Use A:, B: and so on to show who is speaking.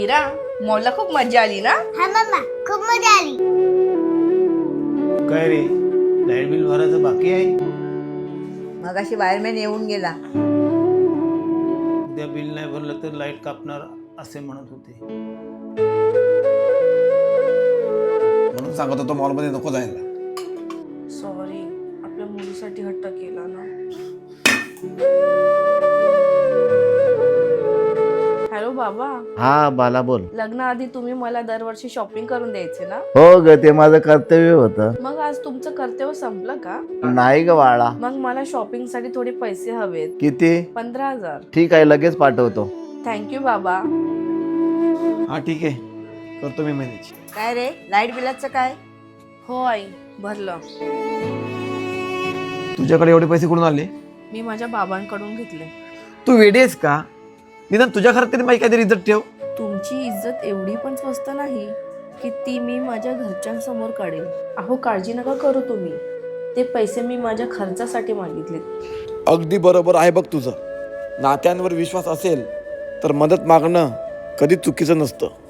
A: मीरा, मॉलला खूप मजा आली ना?
B: हा मम्मा, खूप मजा आली.
C: काय रे, लाईट बिल भरायचं बाकी आहे?
A: मगाशी वायरमॅन येऊन गेला.
C: उद्या बिल नाही भरलं तर लाईट कापणार असे म्हणत होते.
D: म्हणून सांगत होतो मॉलमध्ये नको जायला.
A: सॉरी, आपल्या मुलीसाठी हट्ट केला ना. हॅलो बाबा.
E: हा बाला बोल.
A: लग्नाआधी तुम्ही मला दरवर्षी शॉपिंग करून द्यायचे ना?
E: हो ग, ते माझं कर्तव्य होतं.
A: मग आज तुमचं कर्तव्य संपलं का?
E: नाही ग बाळा.
A: मग मला शॉपिंग साठी थोडे पैसे हवेत.
E: किती?
A: 15,000.
E: ठीक आहे, लगेच पाठवतो.
A: थँक्यू बाबा.
D: हा ठीक आहे, करतो मी मॅनेज.
A: काय रे, लाईट बिलाचं काय? हो आई, भरलं.
D: तुझ्याकडे एवढे पैसे कुठून आले?
A: मी माझ्या बाबांकडून घेतले.
D: तू वेडी आहेस का? निदान तुझ्या घरात तरी माझी काहीतरी इज्जत ठेव.
A: तुमची इज्जत एवढी पण स्वस्त नाही की ती मी माझ्या घरच्यांसमोर काढेल. अहो काळजी नका करू तुम्ही, ते पैसे मी माझ्या खर्चासाठी मागितले.
D: अगदी बरोबर आहे बघ तुझं. नात्यांवर विश्वास असेल तर मदत मागणं कधीच चुकीचं नसतं.